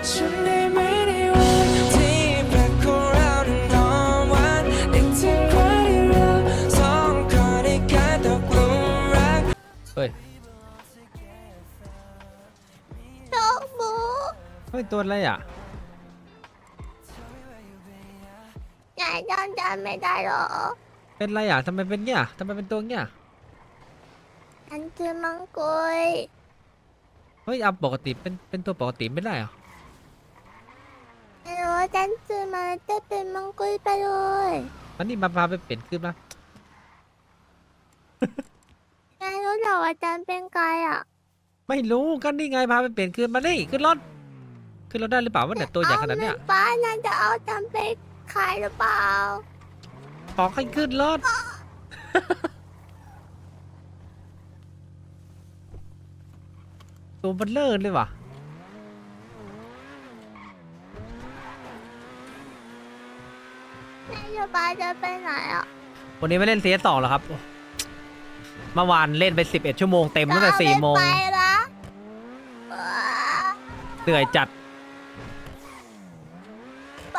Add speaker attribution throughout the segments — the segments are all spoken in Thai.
Speaker 1: ฉันได้ไหมในวันที่แปลกของเรานั้นหอมหวานนึกถึงวันที่เราสองคนได้กลายตกหลุมรัก
Speaker 2: เฮ้ย
Speaker 3: โชคบู
Speaker 2: เฮ้ย ตัวอะไรอ่ะ
Speaker 3: ยายจำไม่ได้หรอ
Speaker 2: เป็นอะไรอ่ะทำไมเป็นเงี้ยทำไมเป็นตัวเงี้ย
Speaker 3: ฉันคือมังกุย
Speaker 2: เฮ้ยเอาปกติเป็นตัวปกติไม่ได้เหรอ
Speaker 3: ไม่รู้ว่าฉันซื้อมาจะเป็นมังกุยไปเลย
Speaker 2: มันนี่มาพาไปเปลี่ยนขึ้นมา
Speaker 3: ยายรู้เหรอว่าฉันเป็นใครอ่ะ
Speaker 2: ไม่รู้กันนี่ไงพาไปเปลี่ยนคืนมานี่ขึ้นรถขึ้นรถได้หรือเปล่าว่าเนี่ยตัวใหญ่ขนาดเนี้ย
Speaker 3: ป้าน่าจะเอาฉันไปขายหรือเปล่า
Speaker 2: ขอให้ขึ้นรถ ตัวมันเลิศเลยว่ะ
Speaker 3: นายจะป้าจะไปไหนอ่ะ
Speaker 2: วันนี้ไม่เล่น CS2 หรอครับเมื่อวานเล่นไป11ชั่วโมงเต็มตั้งแต่4 โมง
Speaker 3: ไปละ
Speaker 2: เหนื่อยจัด
Speaker 3: ไป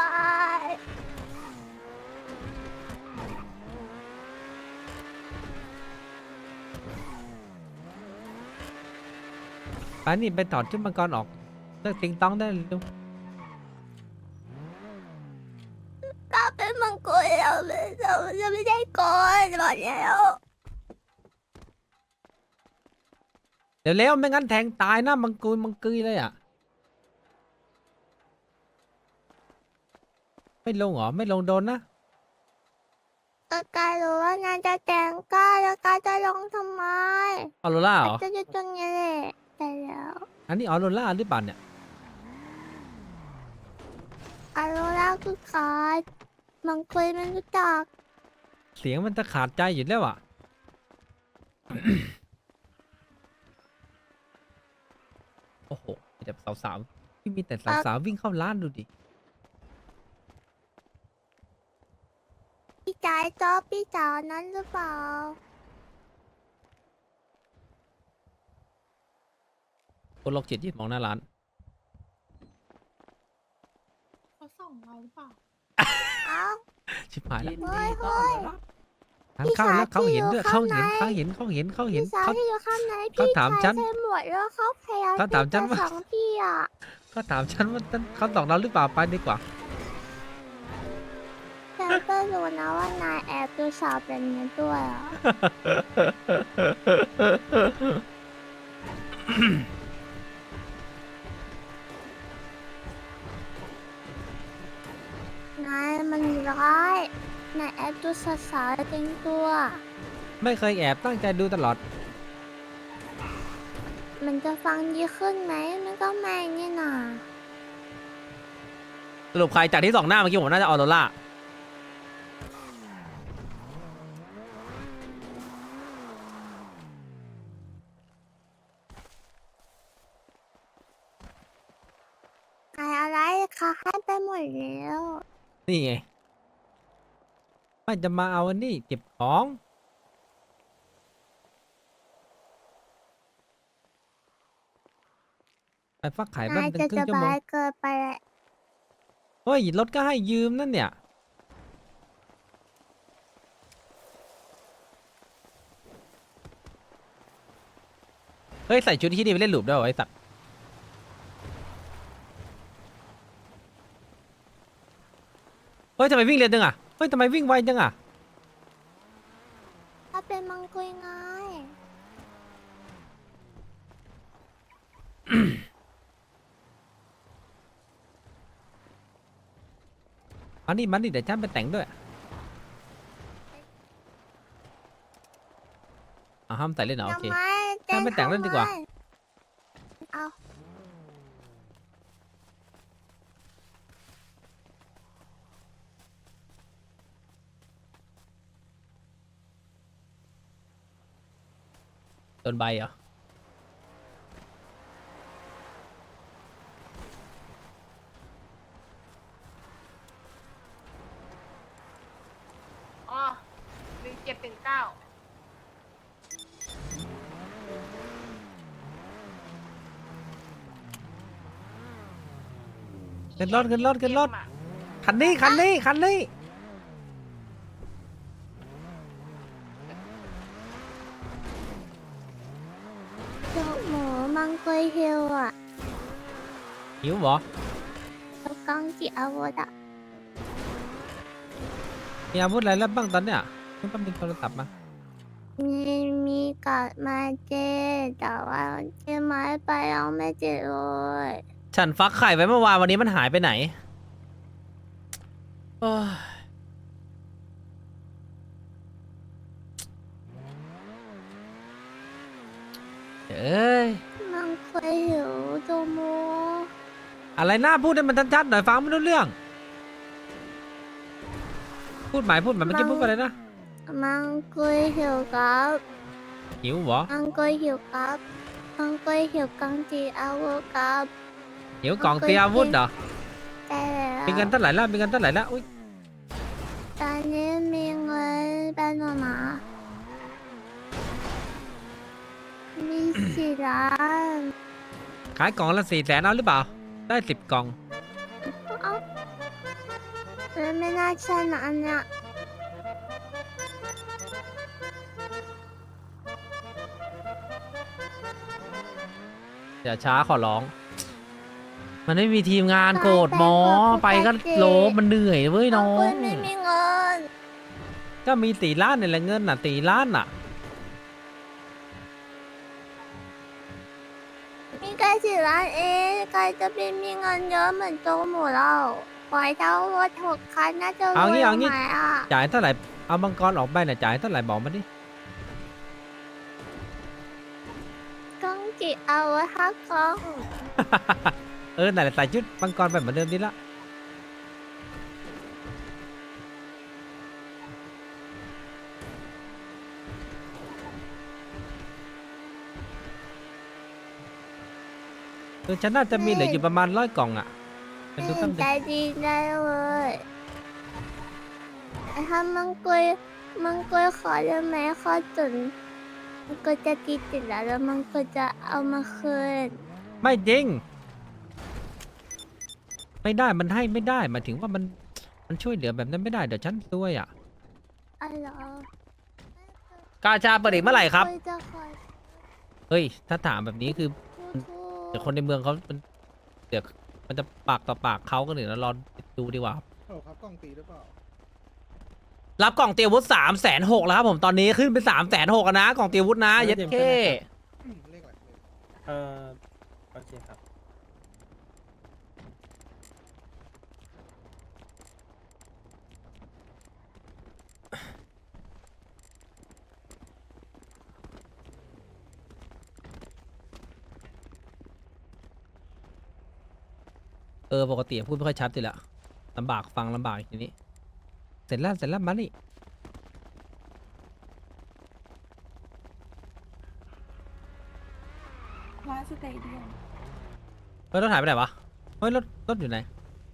Speaker 2: ไปนี่ไปถอดชุดมังกรออกเลิกติงต้องได้เร็ว
Speaker 3: ก็เป็นมังกุยเราจะไม่ได้โกนหมดแล้ว
Speaker 2: เดี๋ยวเร็วไม่งั้นแทงตายนะมังกรเลยอ่ะไม่ลงเหรอไม่ลงโดนนะ
Speaker 3: ก็กายรู้ว่านายจะแต่งก้าแล้วกายจะลงทำไม
Speaker 2: ออโรล่าเหรอ
Speaker 3: จะอยู่ตรงนี้แหละแต่แล้ว
Speaker 2: อันนี้ออโรล่าหรือเปล่าเนี่ย
Speaker 3: อาโรล่าคือใครมังคุยไม่รู้จัก
Speaker 2: เสียงมันจะขาดใจอยู่แล้วอ่ะ โอ้โหมีแต่สาวๆที่มีแต่สาวๆวิ่งเข้าร้านดูดิ
Speaker 3: พี่จ๋าชอบพี่สาวนั้นหรือเปล่า
Speaker 2: คนโรคจิตยืนมองหน้าร้าน
Speaker 4: เขาส่องเราหรือเปล่า
Speaker 3: เอ้า
Speaker 2: ชิบหายแล้ว
Speaker 3: เฮ้ยเฮ้ย
Speaker 2: ทางเข้าแล้วเขาเห็นด้วย
Speaker 3: พี่
Speaker 2: เขา
Speaker 3: สาว
Speaker 2: เห็น
Speaker 3: ที่อยู่
Speaker 2: เขาเห็น
Speaker 3: พี่สาว
Speaker 2: เขา
Speaker 3: ที่อยู่ข้างใน
Speaker 2: เขา
Speaker 3: พี่
Speaker 2: ถาม
Speaker 3: ชาย
Speaker 2: ฉัน
Speaker 3: ใส่หมวกแล้วเขาพยายาม
Speaker 2: เขาถามฉัน
Speaker 3: ที่
Speaker 2: ว่า
Speaker 3: จะสองพี่อ่ะ
Speaker 2: เขาถามฉันว่าเขาส่องเราหรือเปล่าไปดีกว่า
Speaker 3: ฉันก็รู้นะว่านายแอบดูสาวเป็นนี้ด้วยอ่ะ นายมันร้ายนายแอบดูสาวๆเต็มตัว
Speaker 2: ไม่เคยแอบตั้งใจดูตลอด
Speaker 3: มันจะฟังดีขึ้นไหมมันก็ไม่นี่นา
Speaker 2: สรุปใครจากที่ส่องหน้าเมื่อกี้ผมน่าจะออโรล่า
Speaker 3: ใครอะไรคะให้ไปหมดแล้ว
Speaker 2: นี่ไงไม่จะมาเอาอันนี้เก็บของ ไปฟักไข่บ้าน
Speaker 3: นาย
Speaker 2: เป็น
Speaker 3: จะ
Speaker 2: ครึ่
Speaker 3: ส
Speaker 2: งชั่วโม
Speaker 3: บาง ยเกินไปแหละ
Speaker 2: เฮ้ยรถก็ให้ยืมนั่นเนี่ย เฮ้ย ใส่ชุดที่นี่ไปเล่นหลูปได้เหรอไอ้สัตว์ เฮ้ยทำไมวิ่งเร็วจังอ่ะ เฮ้ยทำไมวิ่งไวจังอ่ะ
Speaker 3: ถ้าเป็นมังคุยไง
Speaker 2: มันนี่เดี๋ยวฉันไปแต่งด้วยเอาห้ามใส่เล่นเหรอโอเค
Speaker 3: ทำไม
Speaker 2: งั้นไปแต่งเล่นดีกว่า
Speaker 3: เอา
Speaker 2: โดนใบเหรอ
Speaker 4: อ๋อ1719
Speaker 2: ขึ้นรถขึ้นรถขึ้นรถ
Speaker 4: เกมอะ
Speaker 2: คันนี้คันนี้คันนี้
Speaker 3: เจ้าหมูมังกรเฮลอ่ะ
Speaker 2: หิวเหรอ
Speaker 3: แล้วกังจีอาวุธอ่ะ
Speaker 2: มีอาวุธอะไรแล้วบ้างตอนเนี้ยไม่ต้องมีโทรศัพท์มา
Speaker 3: มีกัดมาเจแต่ว่าเจไม้ไปยังไม่เจอเลย
Speaker 2: ฉันฟักไข่ไว้เมื่อวานวันนี้มันหายไปไหนโอ้ยเอ้ย
Speaker 3: มังกรหิวโจโม
Speaker 2: อะไรหน้าพูดให้มันชัดๆหน่อยฟังไม่รู้เรื่อง พูดหมายเมื่อกี้พูดว่าอะไรนะ
Speaker 3: มังกรหิวครับ
Speaker 2: หิวเหรอ
Speaker 3: มังกรหิวครับมังกรหิวกังจีอาวุธครับ
Speaker 2: หิวกล่องเตรียมอาวุธเหรอ
Speaker 3: แต่แล้ว
Speaker 2: มีเงินเท่าไหร่แล้วมีเงินเท่าไหร่แล้วอุ้ย
Speaker 3: ตอนนี้มีเงินเป็นหมามี4 ล้าน
Speaker 2: ขายกล่องละ400,000เอาหรือเปล่า ได้10 กล่อง
Speaker 3: เอ้าแล้วไม่น่าใช่นะอันเนี้ย
Speaker 2: อย่าช้าขอร้อง มันไม่มีทีมงานโกรธหมอ ไปก็โลบมันเหนื่อยเว้ยน้อ
Speaker 3: คุ
Speaker 2: ง
Speaker 3: ณไม่มีเงิน
Speaker 2: ก็มี4 ล้านนี่แหละเงินน่ะ4 ล้านน่ะ
Speaker 3: มีแค่4 ล้านเองใครจะเป็นมีเงินเยอะเหมือนโจหมูเราปล่อยเท่ารถ6 คันน่าจะร
Speaker 2: เอา
Speaker 3: วย
Speaker 2: งี้เอางี้
Speaker 3: ไหมอ่ะ
Speaker 2: จ่ายเท่าไหร่ เอามังกรออกไปน่ะจ่ายเท่าไหร่บอกมาดิ
Speaker 3: ก้องจีเอาไว้ฮักกล้อง
Speaker 2: เออนั่นแหละใส่ชุดมังกรไปเหมือนเดิมดีละเออฉันน่าจะมีเหลืออยู่ประมาณ100 กล่องอ่ะไปดูตั้ง
Speaker 3: ใจ
Speaker 2: ดิ
Speaker 3: ดีได้เลยถ้ามังกรขอได้ไหมขอจนมังกรจะติดแล้วมังกรจะเอามาคืน
Speaker 2: ไม่จริง ไม่ได้มันให้ไม่ได้หมายถึงว่ามันช่วยเหลือแบบนั้นไม่ได้เดี๋ยวฉันซวยอ่ะ
Speaker 3: อ๋อเหรอก
Speaker 2: าชาเปิดอีกเมื่อไหร่ครับ
Speaker 3: มังกจะขอ
Speaker 2: เฮ้ยถ้าถามแบบนี้คือ
Speaker 3: โทษ
Speaker 2: เดี๋ยวคนในเมืองเขาเดี๋ยวมันจะปากต่อปากเขาก็เดี๋ยวเรารอดูดีกว่าครับ
Speaker 5: โอ้ครับกล้องตีหรือเปล่า
Speaker 2: รับกล่องเตรียมอาวุธ360,000แล้วครับผมตอนนี้ขึ้นเป็น360,000นะกล่องเตรียมอาวุธนะเย็ดเท่
Speaker 5: เลขอะไรเลข
Speaker 6: โอเคครับ
Speaker 2: ปกติพูดไม่ค่อยชัดอยู่แล้วลำบากฟังลำบากทีนี้ เสร็จแล้วมานี่
Speaker 4: ร้านสเตเดียม
Speaker 2: เฮ้ยรถหายไปไหนวะเฮ้ยรถอยู่ไหน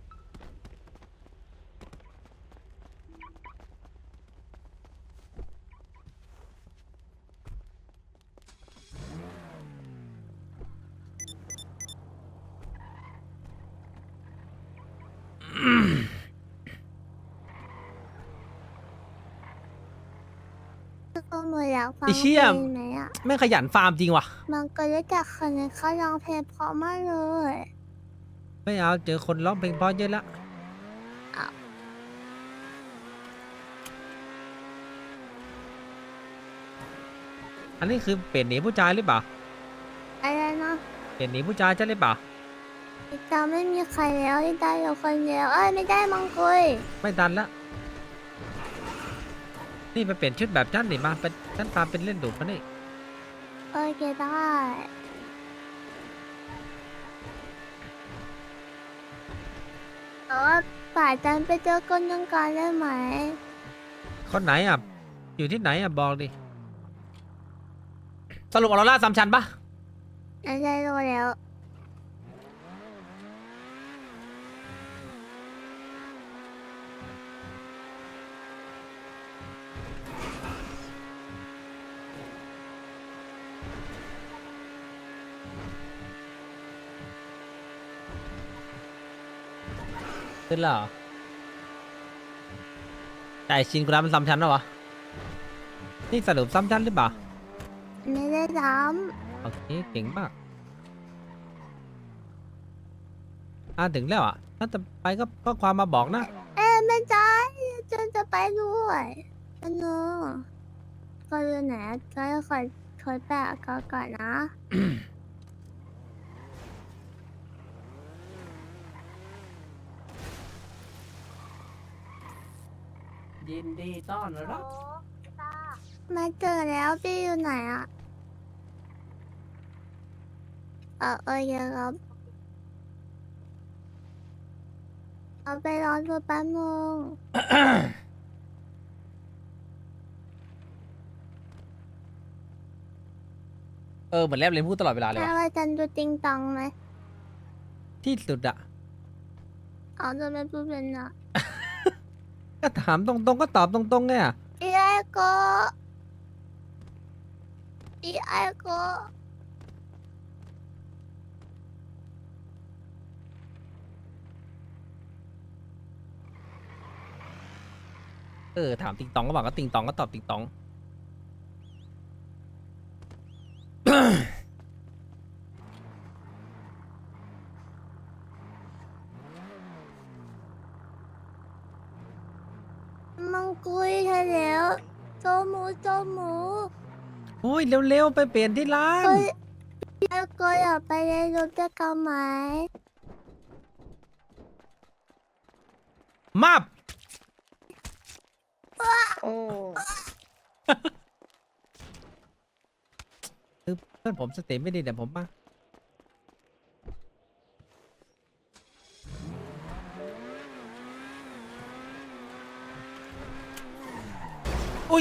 Speaker 3: โจหมูอยากฟัง
Speaker 2: ไอ้
Speaker 3: เพ
Speaker 2: เชี่
Speaker 3: ล
Speaker 2: ย
Speaker 3: งไหมอ่ะ
Speaker 2: แม่งขยันฟาร์มจริงว่ะ
Speaker 3: มังกรรู้จักคนนึงเขาร้องเพลงเพราะมากเลย
Speaker 2: ไม่เอาเจอคนร้องเพลงเพราะเยอะละ
Speaker 3: อ้าว
Speaker 2: อันนี้คือเปลี่ยนหนีผู้ชายหรือเปล่า
Speaker 3: อะไรนะ
Speaker 2: เปลี่ยนหนีผู้ชายใช่หรือเปล่า
Speaker 3: อีตาไม่มีใครแล้วอีตาอยู่คนเดียวเอ้ยไม่ได้มังกร
Speaker 2: ไม่ทันละนี่ไปเปลี่ยนชุดแบบฉันดิมาเป็นฉันฟาร์มเป็นเล่นดุมานี่
Speaker 3: โอเคได้แต่ว่าป่าจันไปเจอคนยังการได้ไหม
Speaker 2: คนไหนอ่ะอยู่ที่ไหนอ่ะบอกดิสรุปออโรร่าซัมชันปะ
Speaker 3: ไม่ได้รู้แล้ว
Speaker 2: ขึ้นแล้วเหรอแต่ไอ้ชินกูรับมันซ้ำชั้นแล้ววะนี่สรุปซ้ำชั้นหรือเปล่า
Speaker 3: ไม่ได้ท
Speaker 2: โอเคเก่งมากถึงแล้วอ่ะถ้าจะไปก็ความมาบอกนะ
Speaker 3: ำไม่ใช่จะไปด้วยอันนู้ก็อยู่ไหนก็คอยแปะก่อนนะ
Speaker 2: ยินดีต้อนรับ
Speaker 3: มาเจอแล้วพี่อยู่ไหนอ่ะโอเคครับเอาไปรอดูแป๊บนึง
Speaker 2: เหมือนแลบลิ้นพูดตลอดเวลาเลย
Speaker 3: ถ้า
Speaker 2: ว่ะ
Speaker 3: ว่าจันดูติงตองไหม
Speaker 2: ที่สุดอะ
Speaker 3: เอาจะไม่พูดเป็นอ่ะ
Speaker 2: ก็ถามตรงๆก็ตอบตรงๆเนี่ย
Speaker 3: อีไอโกอีไอโก
Speaker 2: ถามติงตองก็บอกก็ติงตองก็ตอบติงตอง
Speaker 3: มังคุยใช่แล้วโจหมู
Speaker 2: โอ้ยเร็วๆไปเปลี่ยนที่ร้าน
Speaker 3: ก็อีไอโกอยากไปในรถด้วยกันไหม
Speaker 2: มาบ
Speaker 3: โอ้
Speaker 2: คือเพื่อนผมสติไม่ดีเดี๋ยวผมมาอุ้ย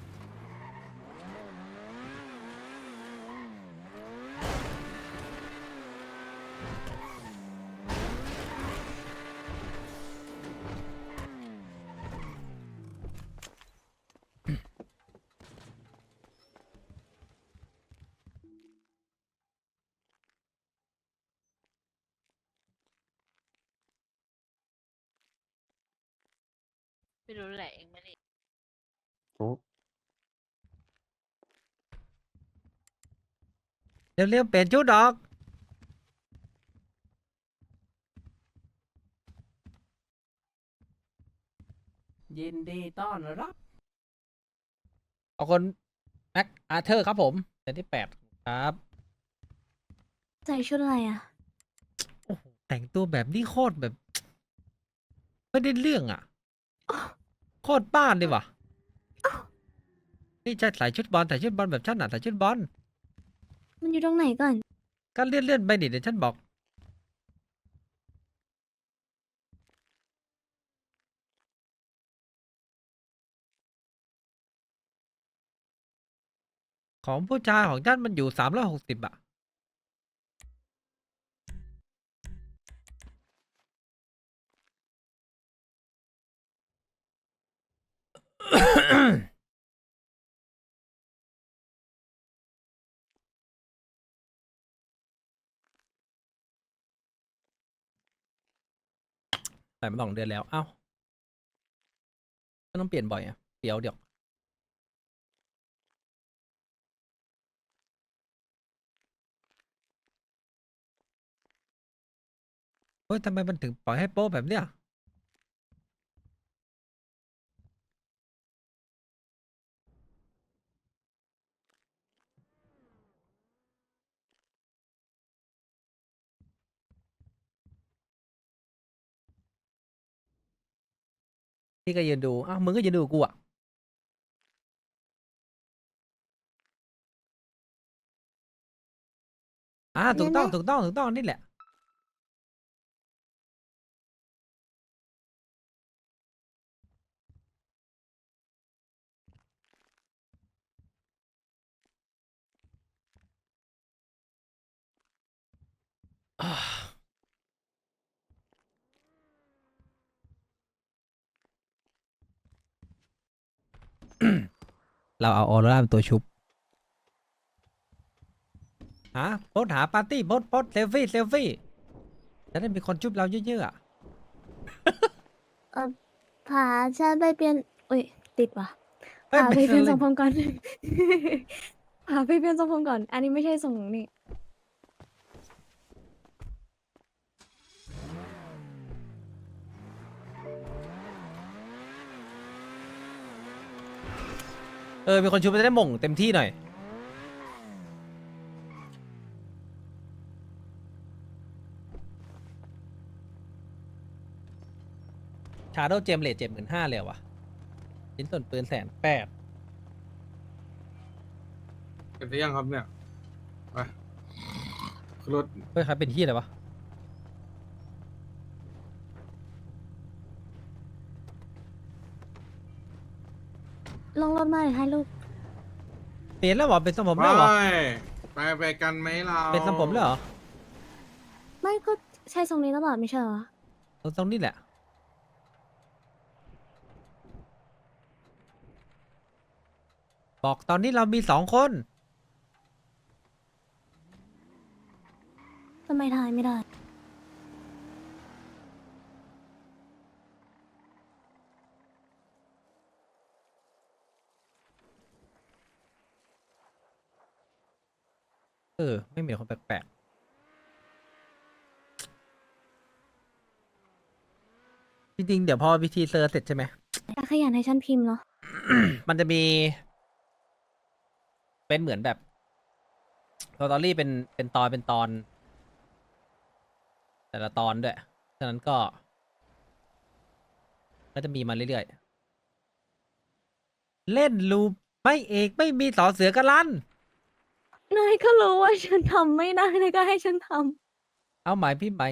Speaker 7: ไม่รู้แหละเองไม่ได้
Speaker 2: เร็วๆเปลี่ยนชุดออกยินดีต้อนรับเอาคนแม็กอาเธอร์ครับผมเซตที่8ครับ
Speaker 3: ใส่ชุดอะไรอ่ะ
Speaker 2: โอ้โหแต่งตัวแบบนี้โคตรแบบ ไม่ได้เรื่องอ่ะ โคตรบ้านดีว่ะนี่จะใส่ชุดบอลใส่ชุดบอลแบบฉันอ่ะใส่ชุดบอล
Speaker 3: มันอยู่ตรงไหนก่อน
Speaker 2: ก็เลื่อนไปดิเดี๋ยวฉันบอก ของผู้ชายของฉันมันอยู่360อ่ะ ใส่มา2 เดือนแล้ว เอ้าก็ต้องเปลี่ยนบ่อยอ่ะเดี๋ยวเฮ้ยทำไมมันถึงปล่อยให้โป๊แบบเนี้ยพี่ก็ยืนดูอ้าวมึงก็ยืนดูกูอ่ะถูกต้องนี่แหละ เราเอาออร่าเป็นตัวชุบโพสหาปาร์ตี้โพสเซลฟี่จะได้มีคนชุบเราเยอะๆอะ
Speaker 3: ผาฉันไปเปลี่ยนอุ้ยติดว่ะ
Speaker 2: เอ้ย
Speaker 3: ผาไป
Speaker 2: ไม่
Speaker 3: เปลี่ยน
Speaker 2: ใช่
Speaker 3: ทรงผมก่อน ผาไปเปลี่ยนทรงผมก่อน อันนี้ไม่ใช่ทรงนี่
Speaker 2: มีคนชุบจะได้หม่งเต็มที่หน่อย ชาโดว์เจมเลท75,000เลยเหรอวะชิ้นส่วนปืน180,000
Speaker 8: เก็บได้ยังครับเนี่ย ไปขึ้นรถ
Speaker 2: เฮ้ยใครเป็นที่อะไรวะ
Speaker 3: ลงรถมาเลยให้ลูก
Speaker 2: เปลี่ยนแล้วเหรอ เป็นทรงผม
Speaker 8: ไป
Speaker 2: แล้วเหรอ
Speaker 8: ไปกันไหมเรา
Speaker 2: เป็นทรงผมแล้วเหรอ
Speaker 3: ไม่ก็ใช่ทรงนี้แล้วเปล่าไม่ใช่เหรอ
Speaker 2: ตรงนี้แหละ บอกตอนนี้เรามี2 คน
Speaker 3: ทำไมทายไม่ได้
Speaker 2: ไม่มีคนแปลกๆ จริงๆ เดี๋ยวพอพิธีเซอร์เสร็จใช่ไหม
Speaker 3: แต่ขยันให้ฉันพิมพ์เนาะ
Speaker 2: มันจะมี เป็นเหมือนแบบสตอรี่เป็นตอน แต่ละตอนด้วย ฉะนั้นก็จะมีมาเรื่อยๆ เล่นลูปไม่เอกไม่มีสอเสือกันลัน
Speaker 3: นายก็รู้ว่าฉันทำไม่ได้นายก็ให้ฉันท
Speaker 2: เอาหมายพี่ไหม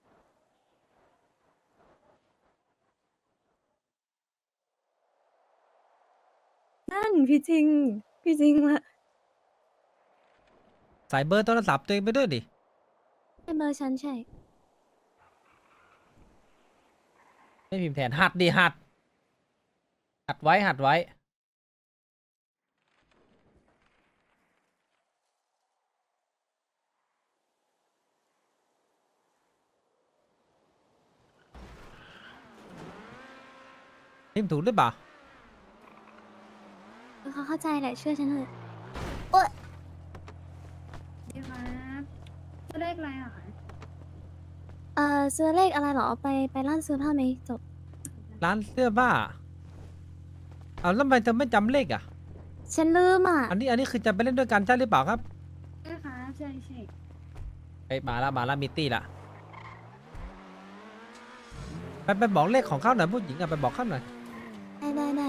Speaker 3: ำนั่นพี่จริง พี่จริงละ
Speaker 2: ใส่เบอร์โทรศัพท์ตัวเองไปด้วยดิ
Speaker 3: เป็นเบอร์ฉันใช่
Speaker 2: ไม่พิมพ์แทนหัดดิหัดไว้พิมพ์ถูกหรือเปล่า
Speaker 3: เขาเข้าใจแหละเชื่อฉันเถอะ
Speaker 4: ดีครับจะเลขอะไรอ่ะคะ
Speaker 3: ซื้อเลขอะไรเหรอ ไปร้านซื้อผ้าไหมจบ
Speaker 2: ร้านเสื้อผ้าเอาแล้วทำไมเธอไม่จำเลขอ่ะ
Speaker 3: ฉันลืมอ่ะ
Speaker 2: อันนี้คือจะไปเล่นด้วยกันใช่หรือเปล่าครับ
Speaker 4: ใช่ค่ะใช่ใช่
Speaker 2: ไปมาละมิตตี้ละไปบอกเลขของเขาหน่อยผู้หญิงอะไปบอกเขาหน่อย
Speaker 3: ได้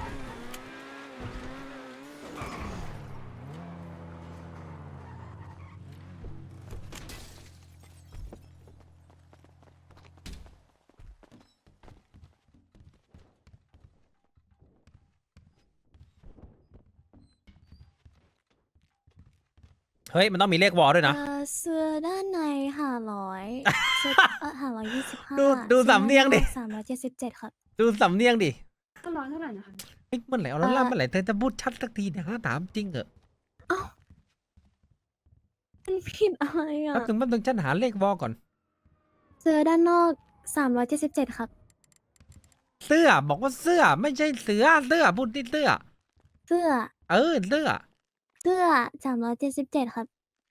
Speaker 2: เฮ้ยมันต้องมีเลขวอลด้วยนะ
Speaker 3: เสื้อด้านใน500เสื้อ525
Speaker 2: ดูสำเนียงดิ
Speaker 3: 377ครับ
Speaker 2: ดูสำเนียงดิ
Speaker 4: ก็ร้อยเท่าไหร่นะคะ
Speaker 2: เฮ้ยเมื่อไหร่เอาแล้วล่ะเมื่อไหร่เธอจะพูดชัดสักทีเนี่ยฮะถามจริงเหรอ
Speaker 3: มันผิดอะไรอ่ะ
Speaker 2: แป๊บนึงฉันหาเลขวอลก่อน
Speaker 3: เสื้อด้านนอก377ครับ
Speaker 2: เสื้อบอกว่าเสื้อไม่ใช่เสือเสื้อพูดที่เสื้อ
Speaker 3: เสื้อ
Speaker 2: เสื้อ
Speaker 3: 377ครับ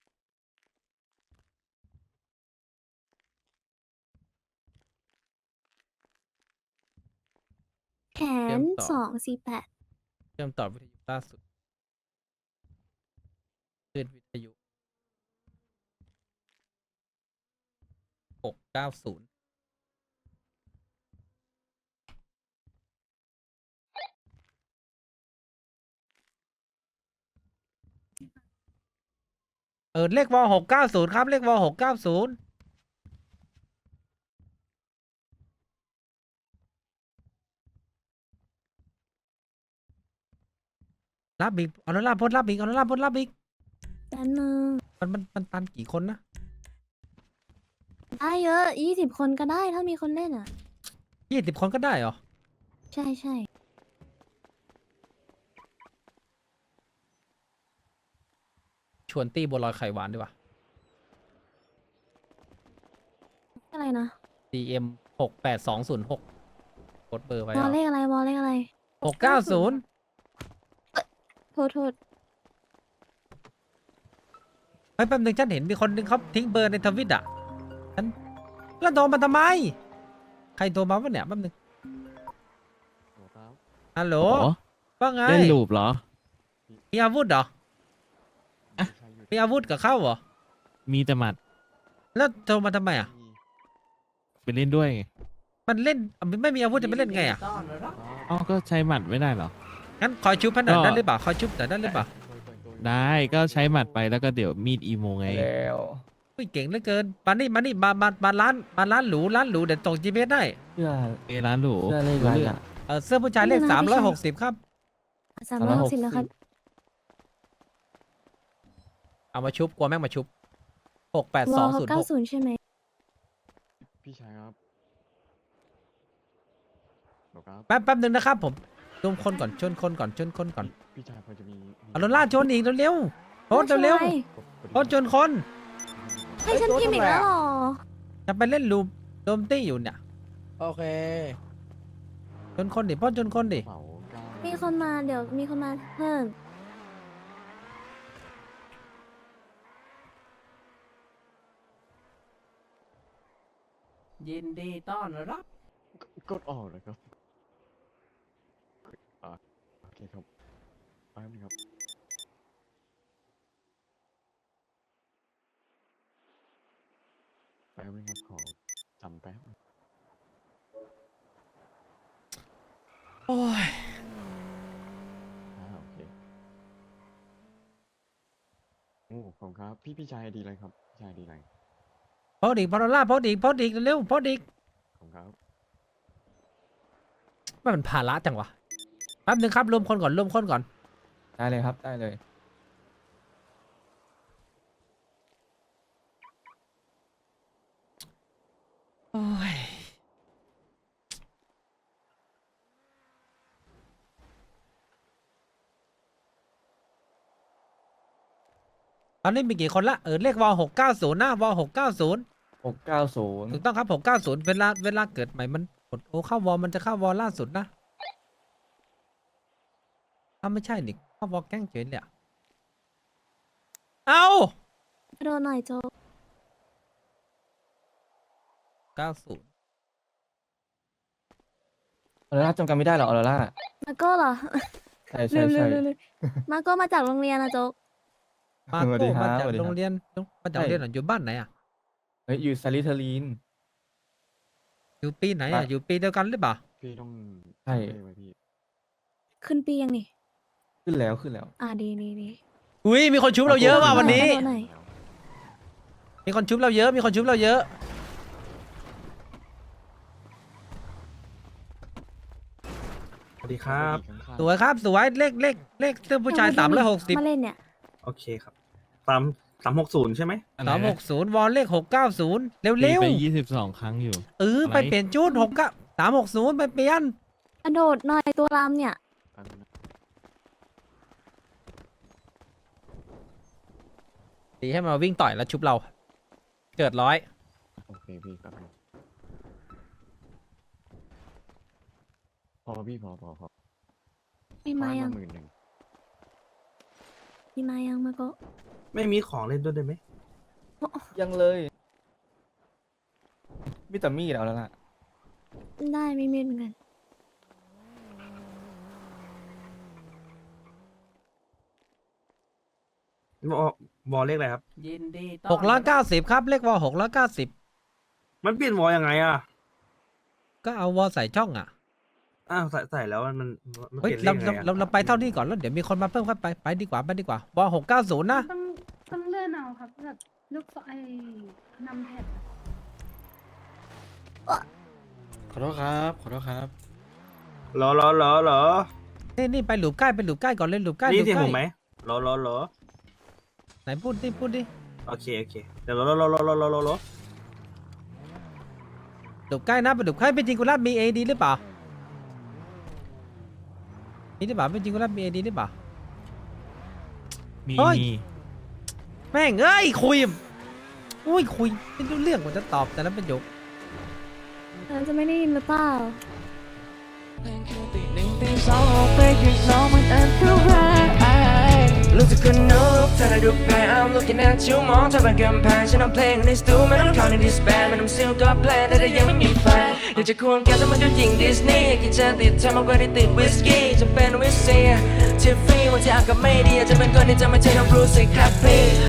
Speaker 3: แขน248
Speaker 2: เชื่อมต่อวิทยุล่าสุดคลื่นวิทยุ690เลขวอล690ครับเลขวอล690รับอีกเอาแล้วรับอีก
Speaker 3: ด้านนึง
Speaker 2: มันตันกี่คนนะ
Speaker 3: ได้เยอะ20 คนก็ได้ถ้ามีคนเล่นอ่ะ
Speaker 2: 20 คนก็ได้เหรอ
Speaker 3: ใช่
Speaker 2: ชวนตี้บัวลอยไข่หวานดีกว่า
Speaker 3: อะไรนะ
Speaker 2: DM 68206 กดเบอร์ไว้
Speaker 3: วอลเลขอะไรวอลเลขอะไร
Speaker 2: 690
Speaker 3: โทษ
Speaker 2: เฮ้ยแป๊บนึงฉันเห็นมีคนนึงเขาทิ้งเบอร์ในทวิตอ่ะฉันแล้วโทรมาทำไม ใครโทรมาวะเนี่ยแป๊บนึงฮัลโหลว่าไง
Speaker 9: เล่นลูปเหรอ
Speaker 2: มีอาวุธเหรอ
Speaker 9: อะ
Speaker 2: มีอาวุธกับเข้าเหรอ
Speaker 9: มีแต่หมัด
Speaker 2: แล้วโทรมาทำไมอ่ะ
Speaker 9: ไปเล่นด้วยไง
Speaker 2: มันเล่นไม่มีอาวุธจะไปเล่นไงอ่ะ
Speaker 9: อ๋อก็ใช้หมัดไม่ได้เหรอ
Speaker 2: งั้นคอยชุบพันหน่อย
Speaker 9: ก็
Speaker 2: ได้หรือเปล่าคอยชุบหน่อยได้หรือเปล่า
Speaker 9: ได้ก็ใช้หมัดไปแล้วก็เดี๋ยวมีดอีโมไง
Speaker 2: อุ้ยเก่งเหลือเกินมานี่มาร้านหรูเดี๋ยวส่ง GPS ได้
Speaker 9: เอร้านหรู
Speaker 2: เสื้อผู้ชายเลข360ครับ
Speaker 3: 360แล้วครับ
Speaker 2: เอามาชุบกลัวแม่งมาชุบ
Speaker 3: วอล
Speaker 2: 68206
Speaker 3: 90ใช่ไหม
Speaker 10: พี่ชายครับครับ
Speaker 2: แป๊บนึงนะครับผมชนคนก่อนชนคนก่อน
Speaker 10: พี่ชายพอจะมี
Speaker 2: เอารถลากชนอีกเร็วๆโพสต์เร็วๆโพสต์ชนคน
Speaker 3: ให้ฉันพิมพ์อีกแล้วเหรอ
Speaker 2: จะไปเล่นลูมโดมตี้อยู่เนี่ย
Speaker 5: โอเค
Speaker 2: ชนคนดิโพสต์ชนคนดิ
Speaker 10: เป๋าเก้า
Speaker 3: มีคนมาเดี๋ยวมีคนมาเพิ่ม
Speaker 2: ยินดีต้อนรับ
Speaker 10: กดออกเลยครับโอเคครับแป๊บนึงครับขอจำแป๊บ
Speaker 2: โอ้ย
Speaker 10: โอเคโอ้ขอบคุณครับพี่ชายดีเลยครับพี่ชายดีเลย
Speaker 2: โพสต์อีกพอลล่าโพสต์อีกเร็วๆโพสต์อีก
Speaker 10: ขอบคุณครับ
Speaker 2: มันภาระจังวะแป๊บนึงครับรวมคนก่อน
Speaker 6: ได้เลยครับได้เลย
Speaker 2: โอ้ยตอนนี้มีกี่คนละเลขวอล690นะวอล690
Speaker 6: 690
Speaker 2: ถูกต้องครับ690เวลาเกิดใหม่มันกดเข้าวอลมันจะเข้าวอลล่าสุดนะถ้าไม่ใช่นี่เข้าวอลแกล้งเฉยเลยอะเอา
Speaker 3: โดนหน่อยโจ๊ก
Speaker 2: 90
Speaker 6: ออโรร่าจำกันไม่ได้เหรอออโรร่า
Speaker 3: มาโก้เหรอ
Speaker 6: ใช่ใช่ใช่
Speaker 3: ลืมมาโก้มาจากโรงเรียนนะโจ๊ก
Speaker 2: มา
Speaker 6: สวัสดี
Speaker 2: โก้
Speaker 6: ครับ
Speaker 2: มาจาก
Speaker 6: สวัสดีครับ
Speaker 2: โรงเรียนอยู่บ้านไหนอ่ะ
Speaker 6: เฮ้ยอยู่ซาลิเทอรีน
Speaker 2: อยู่ปีไหนอ่ะ อยู่ปีเดียวกันหรือเปล่า
Speaker 10: พี่ต้อง
Speaker 6: ใช่
Speaker 10: จำเลขไว้พี่
Speaker 3: ขึ้นปียังนี่
Speaker 6: ขึ้นแล้ว
Speaker 3: ดี
Speaker 2: อุ้ยมีคนชุบเราเยอะว่ะวันนี้
Speaker 3: โดนหน่อย
Speaker 2: มีคนชุบเราเยอะ
Speaker 8: สวัสดีครับ
Speaker 2: สวยครับสวยเลขเสื้อผู้ชาย
Speaker 3: มา
Speaker 2: 360
Speaker 3: เล่นเนี่ย
Speaker 8: โอเคครับ360ใช่ไหม
Speaker 2: 360วอลเลข690เร็ว
Speaker 9: ตีไป22 ครั้งอยู่
Speaker 2: ๆไปเปลี่ยนชุด360ไปเปลี่ยน
Speaker 3: กระโดดหน่อยตัวรำเนี่ย
Speaker 10: แป๊บนึงนะ
Speaker 2: ตีให้มาวิ่งต่อยแล้วชุบเรา เกิดร้อย
Speaker 10: โอเคพี่แป๊บนึงพอพี่พอ
Speaker 3: มีมายัง
Speaker 10: หมื่นหนึ่ง
Speaker 3: มีมายังมาโก้
Speaker 8: ไม่มีของเล่นด้วยได้ไหม
Speaker 6: ยังเลยมีแต่มีดเอาแล้วล่ะ
Speaker 3: ได้ไม่มีเหมือนกัน
Speaker 8: วอลเลขอะไรครับ
Speaker 2: 690ครับเลขวอล690
Speaker 8: มันเปลี่ยนวอลยังไงอ่ะ
Speaker 2: ก็เอาวอลใส่ช่องอ่ะ
Speaker 8: อ้าวใส่แล้วมันเป
Speaker 2: เฮ้ย
Speaker 8: ลี่ยนเลขยังไงอะ
Speaker 2: เราไปเท่านี้ก่อนแล้วเดี๋ยวมีคนมาเพิ่มครับไปดีกว่าวอล690นะ
Speaker 4: ต้องเลื่อนเอาครับแบบลูกศรไอ้นำแผ่น
Speaker 6: ขอโทษครับ
Speaker 8: เหรอ
Speaker 2: นี่ไปหลุมใกล้ก่อนเลยหลุมใกล้
Speaker 8: นี่
Speaker 2: หลุม
Speaker 8: เสียง
Speaker 2: ใกล้
Speaker 8: ผมไหมเหรอ
Speaker 2: ไหนพูดดิ
Speaker 8: โอเคเดี๋ยวรอ
Speaker 2: หลุมใกล้นะไปหลุมใกล้เป็นจริงกุลาบมี AD หรือเปล่ามีหรือเปล่าเป็นจริงกุลาบมี AD หรือเปล่า
Speaker 9: มี
Speaker 2: เฮ้ย
Speaker 9: มี
Speaker 2: แม่งเอ้ยคุยไม่รู้เรื่องกว่าจะตอบแต่ละประโยค
Speaker 3: เราจะไม่ได้ยินหรือเปล่า
Speaker 1: สองออกไปข้างนอกมันอันตรายลูกจะคนนกถ้าได้ดูแพ้ I'm looking at you มองเธอเป็นกำแพงฉันเอาเพลงในสตูไม่ต้องเข้าในดิสแบนไม่ต้องซิลก็แพลนแต่ยังไม่มีแฟนอยากจะควงแกแต่มันดูหญิงดิสนีย์กินจะติดเธอมากกว่าที่ติดวิสกี้จะเป็นวิสเซียทิฟฟี่วันที่อากาศไม่ดีอาจจะเป็นคนที่จะไม่ใช่น้องบรูซสิครับพี่